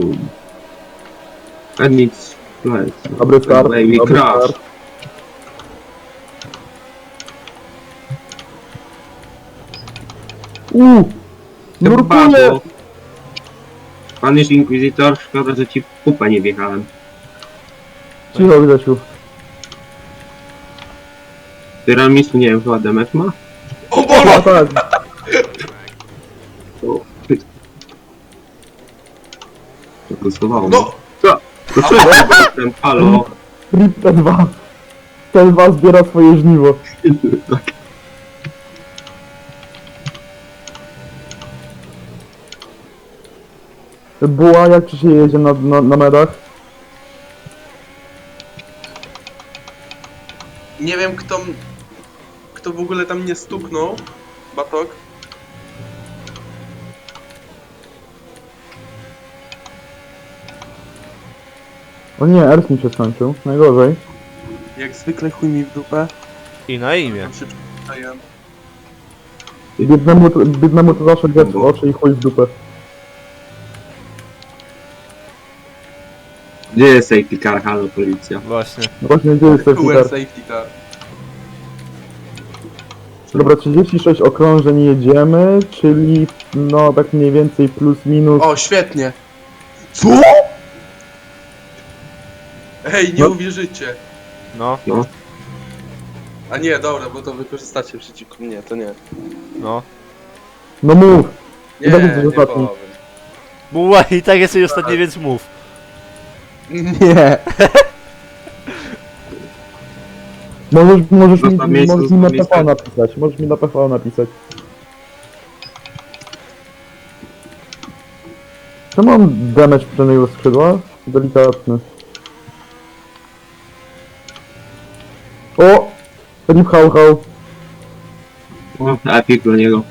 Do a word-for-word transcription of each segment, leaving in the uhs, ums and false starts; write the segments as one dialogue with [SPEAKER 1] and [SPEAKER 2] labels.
[SPEAKER 1] And it's right.
[SPEAKER 2] Dobry start,
[SPEAKER 1] Baby
[SPEAKER 2] dobry
[SPEAKER 1] crash.
[SPEAKER 2] start. Uuu! Nurkuję!
[SPEAKER 1] Bardzo. Pan jest inkwizytor, szkoda, że ci w pupę nie wjechałem.
[SPEAKER 2] Cicho, Grzesiu.
[SPEAKER 1] Tyramisu, nie wiem, chyba D M F ma?
[SPEAKER 3] O
[SPEAKER 2] No
[SPEAKER 3] Boże!
[SPEAKER 2] tak,
[SPEAKER 1] To... To głosowało.
[SPEAKER 3] No!
[SPEAKER 1] Co? To co jest ten halo?
[SPEAKER 2] Rip T dwa. T dwa zbiera swoje żniwo. Buła, jak ci się jedzie na, na, na medach?
[SPEAKER 3] Nie wiem kto... m- Kto w ogóle tam nie stuknął. Batok.
[SPEAKER 2] O nie, Ers mi się skończył. Najgorzej.
[SPEAKER 3] Jak zwykle chuj mi w dupę.
[SPEAKER 4] I na imię.
[SPEAKER 3] Tam się przyzwyczaiłem.
[SPEAKER 2] Biednemu, to- biednemu to zawsze gwiazd w oczy i chuj w dupę.
[SPEAKER 1] Gdzie jest safety car, halo, policja?
[SPEAKER 4] Właśnie.
[SPEAKER 2] No właśnie, gdzie jest safety
[SPEAKER 3] Cooler
[SPEAKER 2] car?
[SPEAKER 3] safety car.
[SPEAKER 2] Dobra, trzydzieści sześć okrążeń jedziemy, czyli no tak mniej więcej plus minus.
[SPEAKER 3] O, świetnie. Co? Ej, nie
[SPEAKER 2] No.
[SPEAKER 3] uwierzycie.
[SPEAKER 4] No,
[SPEAKER 1] No.
[SPEAKER 3] A nie, dobra, bo to wykorzystacie przeciwko mnie, to nie.
[SPEAKER 4] no.
[SPEAKER 2] No mów!
[SPEAKER 3] Nie,
[SPEAKER 2] I tak jesteś
[SPEAKER 3] nie
[SPEAKER 2] ostatni.
[SPEAKER 3] powiem.
[SPEAKER 4] Buła i tak jesteś ostatni, więc mów.
[SPEAKER 2] Nie! Możesz, możesz, mi,
[SPEAKER 1] Zostaw miejsce,
[SPEAKER 2] możesz mi na
[SPEAKER 1] zostaw
[SPEAKER 2] P V
[SPEAKER 1] miejsce.
[SPEAKER 2] napisać, możesz mi na P V napisać. Czy mam damage przedniego skrzydła? Delikatny. O! Rip hał hał.
[SPEAKER 1] O, epic dla niego.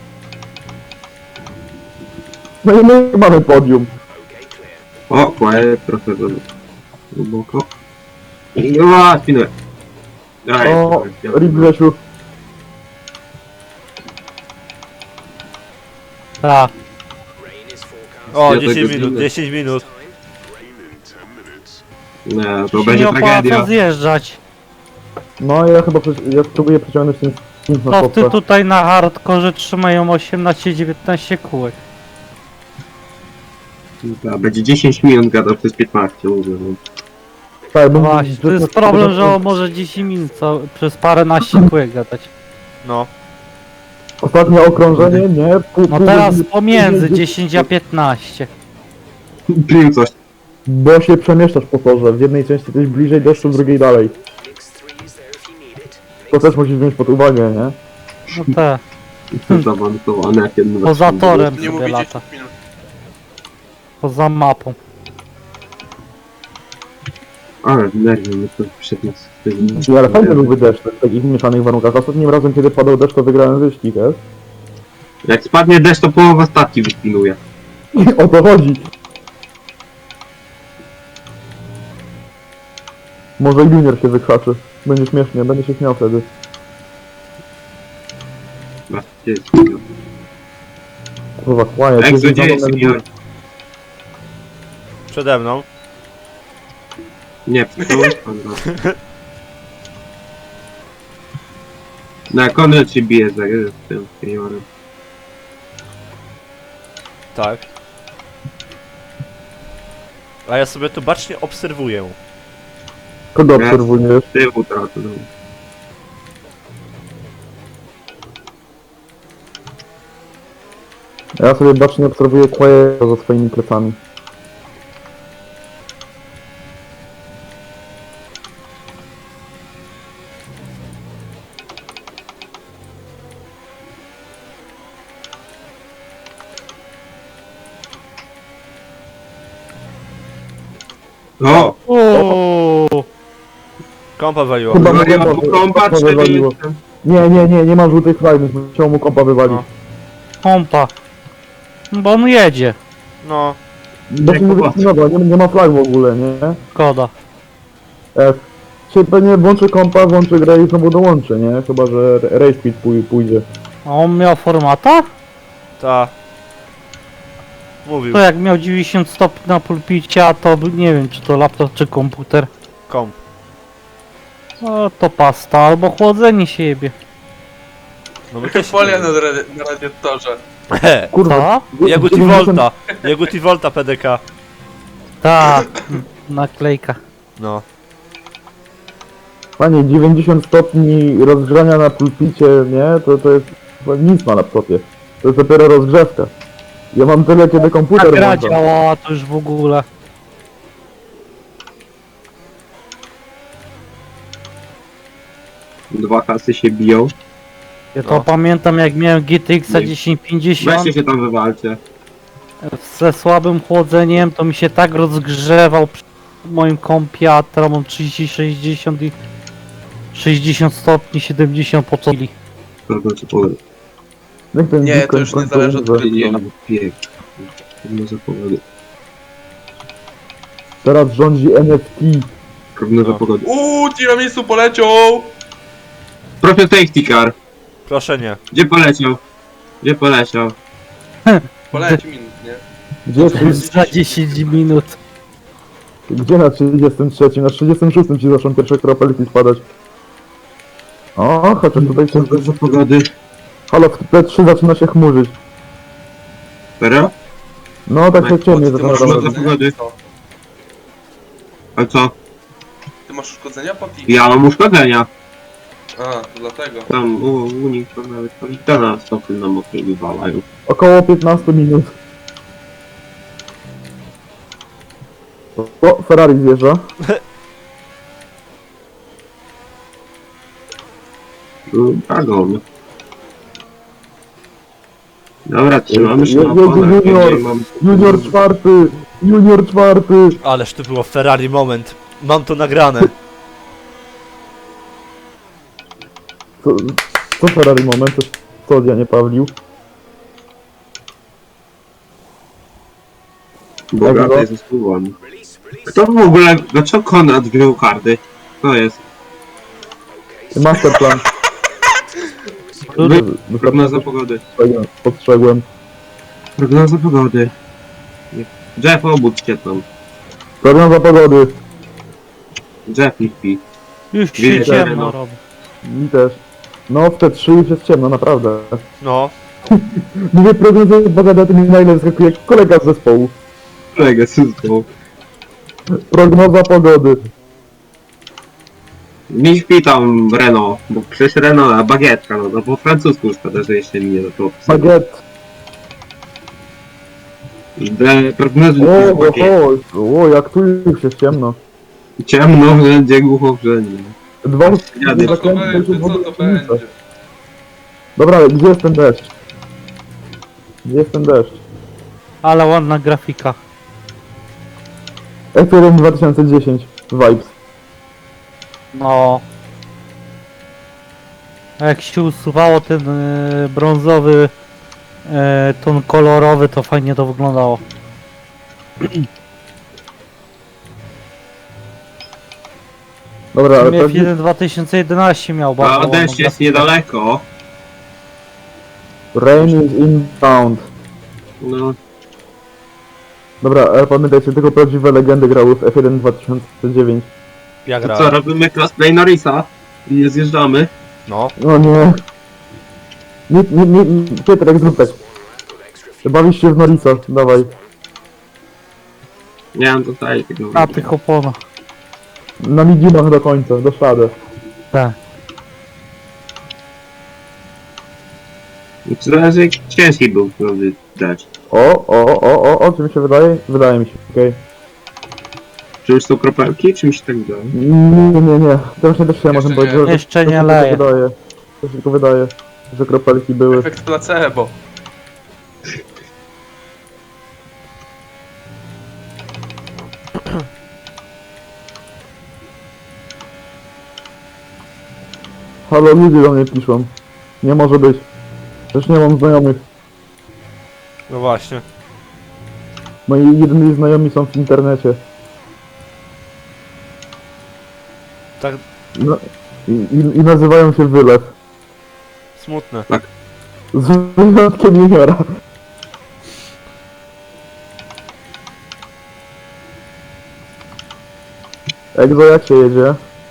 [SPEAKER 2] No i my mamy podium.
[SPEAKER 1] O, quiet, trochę za głęboko. I o, spinę. Daj,
[SPEAKER 2] O!
[SPEAKER 1] ja-
[SPEAKER 2] Rip Grzesiu.
[SPEAKER 5] Tak.
[SPEAKER 4] O,
[SPEAKER 1] Ja
[SPEAKER 4] dziesięć
[SPEAKER 1] tego
[SPEAKER 4] minut,
[SPEAKER 1] zginę.
[SPEAKER 4] dziesięć minut.
[SPEAKER 1] Nie, to
[SPEAKER 5] Się
[SPEAKER 1] będzie
[SPEAKER 5] nie opłaca
[SPEAKER 1] tragedia.
[SPEAKER 5] zjeżdżać.
[SPEAKER 2] No ja chyba, przecież- ja spróbuję przeciągnąć ten sprint na
[SPEAKER 5] No ty
[SPEAKER 2] stopę.
[SPEAKER 5] tutaj na hardkorze trzymają osiemnaście dziewiętnaście kółek.
[SPEAKER 1] Dobra, będzie dziesięć minut gadał przez piętnaście, mówię. No.
[SPEAKER 2] Tak,
[SPEAKER 5] No
[SPEAKER 2] bo
[SPEAKER 5] właśnie, to jest problem, że on może dziesięć minut co, przez paręnaście kółek gadać.
[SPEAKER 4] No.
[SPEAKER 2] Ostatnie okrążenie, nie? Pół,
[SPEAKER 5] No
[SPEAKER 2] pół
[SPEAKER 5] teraz
[SPEAKER 2] godziny-
[SPEAKER 5] pomiędzy dziesięć a piętnaście.
[SPEAKER 1] Pił coś.
[SPEAKER 2] Bo się przemieszczasz po torze. W jednej części jesteś bliżej deszczu, w drugiej dalej. To też musisz wziąć pod uwagę, nie?
[SPEAKER 5] No te,
[SPEAKER 1] Jestem zaawansowany jak jeden
[SPEAKER 5] poza torem
[SPEAKER 3] Nie
[SPEAKER 5] sobie
[SPEAKER 3] mówię
[SPEAKER 5] lata.
[SPEAKER 3] dziesięć minut.
[SPEAKER 5] Poza mapą.
[SPEAKER 1] Ale nerwy mnie to przed nas.
[SPEAKER 2] Ale fajny byłby deszcz w takich mieszanych warunkach. Ostatnim razem, kiedy padał deszcz, to wygrałem wyścig, nie?
[SPEAKER 1] Jak spadnie deszcz, to połowa statki wyspinuje.
[SPEAKER 2] O to chodzi. Może junior się wykrzaczy. Będzie śmiesznie, będzie się śmiał wtedy.
[SPEAKER 1] Masz, gdzie jest?
[SPEAKER 2] Kurwa, kłania.
[SPEAKER 1] Egzo, gdzie jest senior?
[SPEAKER 4] Przede mną.
[SPEAKER 1] Nie, przyszedłeś pan raz. Na Konrad się bije za z tym seniorem.
[SPEAKER 4] Tak. A ja sobie tu bacznie obserwuję.
[SPEAKER 2] Kogo obserwujesz?
[SPEAKER 1] Tywu tracę, no.
[SPEAKER 2] Ja sobie bacznie obserwuję Quaera za swoimi plecami.
[SPEAKER 1] O!
[SPEAKER 5] Uuu,
[SPEAKER 4] Kompa waliło.
[SPEAKER 2] Chyba
[SPEAKER 1] Maria
[SPEAKER 2] mu
[SPEAKER 1] mu
[SPEAKER 2] kompa-
[SPEAKER 1] kompa,
[SPEAKER 2] kompa
[SPEAKER 1] cztery
[SPEAKER 2] wywaliło. Nie, nie, nie, nie ma żółtych fajnych, chciał mu kompa wywalić.
[SPEAKER 4] No.
[SPEAKER 5] pompa. Bo on jedzie.
[SPEAKER 4] No.
[SPEAKER 2] Bo się nie
[SPEAKER 1] kompa.
[SPEAKER 2] wycinawa, nie, nie ma flag w ogóle, nie?
[SPEAKER 5] Szkoda.
[SPEAKER 2] F. Się pewnie włączy kompa, włączy grę i znowu dołączy, nie? Chyba, że Race Quit pój pójdzie.
[SPEAKER 5] A on miał formata?
[SPEAKER 4] Ta. Mówił.
[SPEAKER 5] To jak miał dziewięćdziesiąt stopni na pulpicie, a to był- nie wiem czy to laptop czy komputer.
[SPEAKER 4] Komp.
[SPEAKER 5] No to pasta albo chłodzenie się jebie.
[SPEAKER 4] No my też...
[SPEAKER 3] Folia na, radi na radiatorze.
[SPEAKER 2] Kurwa.
[SPEAKER 5] Co?
[SPEAKER 4] Jagut i Volta. Jagut i Volta P D K.
[SPEAKER 5] Tak, naklejka.
[SPEAKER 4] No.
[SPEAKER 2] Panie, dziewięćdziesiąt stopni rozgrzania na pulpicie, nie? To, to jest chyba nic na laptopie. To jest dopiero rozgrzewka. Ja mam tyle, kiedy
[SPEAKER 5] Ta
[SPEAKER 2] komputer
[SPEAKER 5] gra
[SPEAKER 2] włączam.
[SPEAKER 5] działała to już w ogóle.
[SPEAKER 1] Dwa kasy się biją.
[SPEAKER 5] Ja to
[SPEAKER 4] No.
[SPEAKER 5] pamiętam jak miałem G T X
[SPEAKER 1] Nie.
[SPEAKER 5] tysiąc pięćdziesiąt
[SPEAKER 1] Weźcie się tam wywalcie.
[SPEAKER 5] ze słabym chłodzeniem, to mi się tak rozgrzewał przy moim kompie, a teraz mam trzydzieści sześćdziesiąt i sześćdziesiąt stopni, siedemdziesiąt po co chwili.
[SPEAKER 1] Prawda czy powiem?
[SPEAKER 2] Niech ten
[SPEAKER 3] Nie,
[SPEAKER 2] Bitcoin
[SPEAKER 3] to już nie
[SPEAKER 2] w końcu
[SPEAKER 3] zależy od
[SPEAKER 2] umrze.
[SPEAKER 3] gry.
[SPEAKER 1] Nie, piek. Prognoza pogody.
[SPEAKER 2] Teraz rządzi N F T.
[SPEAKER 1] Prognoza
[SPEAKER 4] No.
[SPEAKER 1] pogody.
[SPEAKER 3] Uuu, tiramisu poleciał!
[SPEAKER 1] Proszę safety car.
[SPEAKER 4] Proszę nie.
[SPEAKER 1] Gdzie poleciał? Gdzie poleciał?
[SPEAKER 3] Polecił minut, nie?
[SPEAKER 2] Gdzie,
[SPEAKER 5] Za dziesięć minut.
[SPEAKER 2] gdzie na trzydziestym trzecim? Na trzydziestym szóstym ci zaczną pierwsze kropelki spadać. O, chociaż tutaj się...
[SPEAKER 1] Prognoza pogody.
[SPEAKER 2] Halo, w P trzy zaczyna się chmurzyć.
[SPEAKER 1] Serio?
[SPEAKER 2] No, tak się
[SPEAKER 3] Mike,
[SPEAKER 2] ciemnie
[SPEAKER 3] ty
[SPEAKER 2] zaczyna
[SPEAKER 3] masz
[SPEAKER 1] Prognoza
[SPEAKER 2] robić.
[SPEAKER 1] pogody.
[SPEAKER 3] Co?
[SPEAKER 1] A co?
[SPEAKER 3] Ty masz uszkodzenia, Pati?
[SPEAKER 1] Ja mam uszkodzenia.
[SPEAKER 3] A, to dlatego.
[SPEAKER 1] Tam u, u nich to nawet tam to na stopy na mokrej wywalają.
[SPEAKER 2] Około piętnaście minut. O, Ferrari zjeżdża.
[SPEAKER 1] Dragon. Dobra, trzymamy się
[SPEAKER 2] Je-
[SPEAKER 1] na
[SPEAKER 2] jedzie
[SPEAKER 1] oponach. Ja
[SPEAKER 2] junior.
[SPEAKER 1] nie mam...
[SPEAKER 2] Junior czwarty! Junior czwarty!
[SPEAKER 4] Ależ to było Ferrari moment. Mam to nagrane.
[SPEAKER 2] Co, co Ferrari moment? Coś, co ja nie Pawlił?
[SPEAKER 1] Bogata jest zespółami. Kto w ogóle... Dlaczego Konrad wziął karty? To jest.
[SPEAKER 2] Masterplan.
[SPEAKER 1] Wy... Prognoza pogody.
[SPEAKER 2] Postrzegłem.
[SPEAKER 1] Prognoza pogody. Jeff, obudź się tam.
[SPEAKER 2] Prognoza pogody.
[SPEAKER 1] Jeff nie śpi.
[SPEAKER 5] Już się
[SPEAKER 1] Wiecie,
[SPEAKER 5] ciemno
[SPEAKER 1] no.
[SPEAKER 5] robi.
[SPEAKER 2] Mi też. No, w te trzy już jest ciemno, naprawdę.
[SPEAKER 4] No.
[SPEAKER 2] Mówię prognoza pogody, a ty mi nagle wyskakuje jak kolega z zespołu.
[SPEAKER 1] Kolega, wszystko.
[SPEAKER 2] Prognoza pogody.
[SPEAKER 1] Nie śpi tam Renault, bo przecież Renault, a bagietka, no to po francusku szkoda, że jeszcze mi nie zaczął pisać.
[SPEAKER 2] Bagiet.
[SPEAKER 1] De prognozy
[SPEAKER 2] O,
[SPEAKER 1] bagiet.
[SPEAKER 2] o, o, jak tu już jest ciemno.
[SPEAKER 1] Ciemno wszędzie, głucho wszędzie.
[SPEAKER 2] Dwa
[SPEAKER 1] Jadę.
[SPEAKER 3] Co to będzie? Co to będzie?
[SPEAKER 2] Dobra, gdzie jest ten deszcz? Gdzie jest ten deszcz?
[SPEAKER 5] Ale ładna grafika.
[SPEAKER 2] F jeden dwa tysiące dziesięć. Vibes.
[SPEAKER 5] No. A jak się usuwało ten e, brązowy e, ton kolorowy, to fajnie to wyglądało.
[SPEAKER 2] Dobra, ale
[SPEAKER 5] F
[SPEAKER 2] pewnie...
[SPEAKER 5] jeden dwa tysiące jedenaście miał bardzo
[SPEAKER 1] A
[SPEAKER 5] ładną
[SPEAKER 1] deszcz jest
[SPEAKER 5] grafikę.
[SPEAKER 1] niedaleko.
[SPEAKER 2] Rain is inbound.
[SPEAKER 1] No,
[SPEAKER 2] Dobra, ale pamiętajcie, tylko prawdziwe legendy grały w F jeden dwa tysiące dziewięć.
[SPEAKER 4] Ja
[SPEAKER 1] to co,
[SPEAKER 4] grałem.
[SPEAKER 1] robimy crossplay Norrisa? I nie zjeżdżamy?
[SPEAKER 4] No.
[SPEAKER 2] O nie. Nie, nie, nie, nie. Piotrek, zrób tak. Bawisz się w Norisa, dawaj.
[SPEAKER 1] Nie mam tutaj tego.
[SPEAKER 5] Na tych oponach.
[SPEAKER 2] Na mediumach do końca, do szady.
[SPEAKER 5] Tak.
[SPEAKER 1] Zależy jak ciężki był wtedy deszcz.
[SPEAKER 2] O, o, o, o, o, czy mi się wydaje? Wydaje mi się, okej.
[SPEAKER 1] Czy już są kropelki, czy mi się tak wydaje?
[SPEAKER 2] Nie, nie, nie. To właśnie też ja
[SPEAKER 3] Jeszcze
[SPEAKER 2] możemy
[SPEAKER 3] nie.
[SPEAKER 2] powiedzieć, że
[SPEAKER 5] Jeszcze
[SPEAKER 2] to
[SPEAKER 5] nie
[SPEAKER 2] się tylko
[SPEAKER 5] leje.
[SPEAKER 2] wydaje. To się tylko wydaje, że kropelki były.
[SPEAKER 3] Efekt placebo.
[SPEAKER 2] Halo, ludzie do mnie piszą. Nie może być. Też nie mam znajomych.
[SPEAKER 4] No właśnie.
[SPEAKER 2] Moi jedyni znajomi są w internecie.
[SPEAKER 4] Tak
[SPEAKER 2] No, i, i, I nazywają się Wylew.
[SPEAKER 4] smutne.
[SPEAKER 2] Z wyjątkiem juniora. Egzo, jak się jedzie?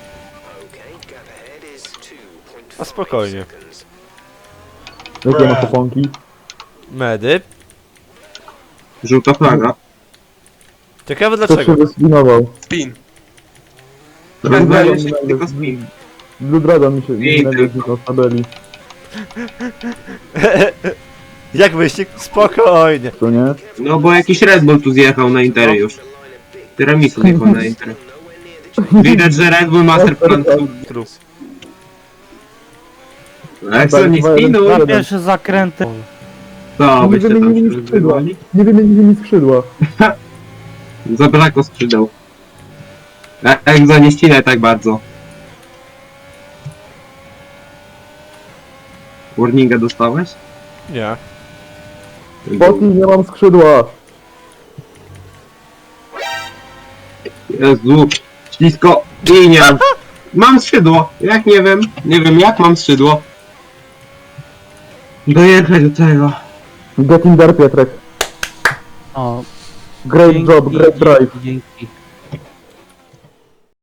[SPEAKER 4] A spokojnie.
[SPEAKER 2] Jakie ma kuponki?
[SPEAKER 4] Medy.
[SPEAKER 1] Żółta flaga.
[SPEAKER 4] Ciekawe
[SPEAKER 2] Kto się
[SPEAKER 4] dlaczego.
[SPEAKER 2] wyspinował?
[SPEAKER 3] Spin.
[SPEAKER 1] Red
[SPEAKER 2] Blue
[SPEAKER 1] Bull
[SPEAKER 2] Dragon,
[SPEAKER 1] tylko spin.
[SPEAKER 2] Blue Dragon mi się
[SPEAKER 1] I
[SPEAKER 2] nagle
[SPEAKER 1] tylko.
[SPEAKER 2] zniknął z tabeli,
[SPEAKER 4] Jak wyścig? Spokojnie.
[SPEAKER 2] co nie?
[SPEAKER 1] No bo jakiś Red Bull tu zjechał na Intery już. Tiramisu zjechał na Intery. Widać, że Red Bull Master Plan...
[SPEAKER 4] True.
[SPEAKER 1] Jak co, nie spinuj?
[SPEAKER 5] Na pierwsze zakręty.
[SPEAKER 1] Co,
[SPEAKER 2] Nie
[SPEAKER 1] byście tam
[SPEAKER 2] wymienili
[SPEAKER 1] się
[SPEAKER 2] mi skrzydła.
[SPEAKER 1] rozgrywali?
[SPEAKER 2] Nie wymienili mi skrzydła.
[SPEAKER 1] Zabrakło skrzydeł. E- Egzo, nie ścinaj tak bardzo. Warninga dostałeś?
[SPEAKER 4] Nie.
[SPEAKER 2] Poti, nie mam skrzydła.
[SPEAKER 1] Jezu, ślisko i nie mam. Mam skrzydło, jak nie wiem, nie wiem jak mam skrzydło. Dojechać do tego.
[SPEAKER 2] Get in there, Pietrek.
[SPEAKER 5] O,
[SPEAKER 2] Great
[SPEAKER 5] dzięki,
[SPEAKER 2] job, great drive.
[SPEAKER 5] dzięki, dzięki.